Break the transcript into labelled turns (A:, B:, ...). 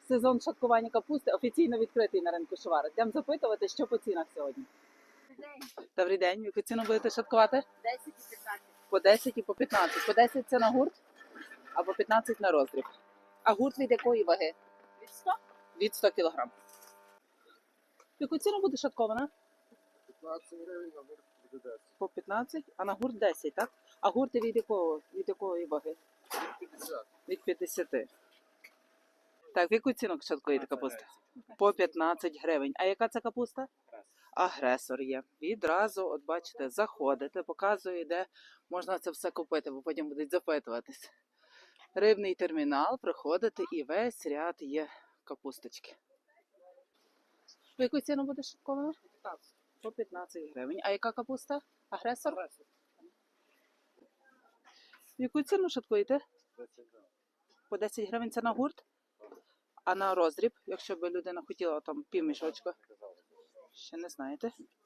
A: сезон шаткування капусти офіційно відкритий на ринку Шувара. Йдемо запитувати, що по цінах сьогодні. Добрий день. В яку ціну будете шаткувати?
B: 10 і 15.
A: По 10 і по 15. По 10 це на гурт, а по 15 на роздріб. А гурт від якої ваги?
B: Від 100?
A: Від 100 кг. В яку ціну буде шаткована?
C: 15 гривень, на гурт буде 10.
A: По 15, а на гурт 10, так? А гурти від якої ваги?
C: 50.
A: Від 50. Так, в яку ціну шаткуєте капуста? По 15 гривень. А яка це капуста? Агресор є. Відразу, от бачите, заходите, показує, де можна це все купити, бо потім будуть запитуватись. Рибний термінал, приходите і весь ряд є капусточки. В яку ціну буде шаткована?
C: 15.
A: По 15 гривень. А яка капуста? Агресор? В яку ціну шаткуєте?
C: 10 гривень.
A: По 10 гривень це на гурт? А на роздріб, якщо б людина хотіла там півмішочка? Ще не знаєте.